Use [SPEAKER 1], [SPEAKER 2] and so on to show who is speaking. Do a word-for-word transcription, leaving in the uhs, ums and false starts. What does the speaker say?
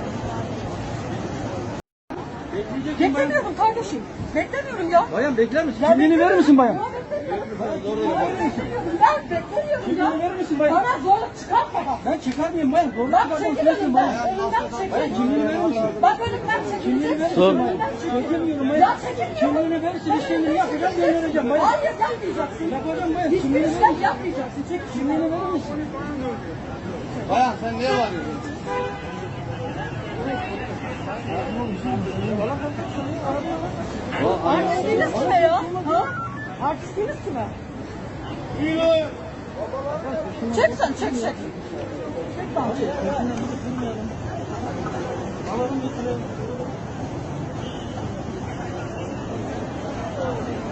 [SPEAKER 1] Bekleyeceksin bayan.
[SPEAKER 2] Beklemiyorum kardeşim. Beklemiyorum ya.
[SPEAKER 1] Bayan bekler misin?
[SPEAKER 2] Ya
[SPEAKER 1] Kimliğini verir misin bayan?
[SPEAKER 2] Ya beklemiyorum. Ben beklemiyorum
[SPEAKER 1] Kimliğini
[SPEAKER 2] ya.
[SPEAKER 1] verir misin bayan?
[SPEAKER 2] Bana zorluk çıkartma bak.
[SPEAKER 1] Ben çıkarmayayım bayan. Zorla
[SPEAKER 2] Bak
[SPEAKER 1] çıkartmam
[SPEAKER 2] çekil
[SPEAKER 1] sürekli
[SPEAKER 2] önümden.
[SPEAKER 1] bayan.
[SPEAKER 2] Önümden
[SPEAKER 1] Bayan
[SPEAKER 2] çekil.
[SPEAKER 1] kimliğini verir misin?
[SPEAKER 2] Bak önümden
[SPEAKER 1] Kimliğini verir
[SPEAKER 2] çekileceksin.
[SPEAKER 1] misin bayan?
[SPEAKER 2] Önümden çekil.
[SPEAKER 1] Çekilmiyorum
[SPEAKER 2] Ya
[SPEAKER 1] bayan.
[SPEAKER 2] çekilmiyorum.
[SPEAKER 1] Kimliğini verirsin işlemini yapacağım göndereceğim bayan.
[SPEAKER 2] Hayır yapmayacaksın.
[SPEAKER 1] Yapacağım bayan.
[SPEAKER 2] Hiçbir
[SPEAKER 1] Kimliğini
[SPEAKER 2] işlem
[SPEAKER 1] verir misin?
[SPEAKER 2] yapmayacaksın. Çek
[SPEAKER 1] Kimliğini verir misin?
[SPEAKER 3] Bayan sen niye bağırıyorsun?
[SPEAKER 2] Artistliğiniz kime ya? Ha? Artistliğiniz kime? Çek sen çek çek. Çek sen çek.
[SPEAKER 1] Alalım getirelim.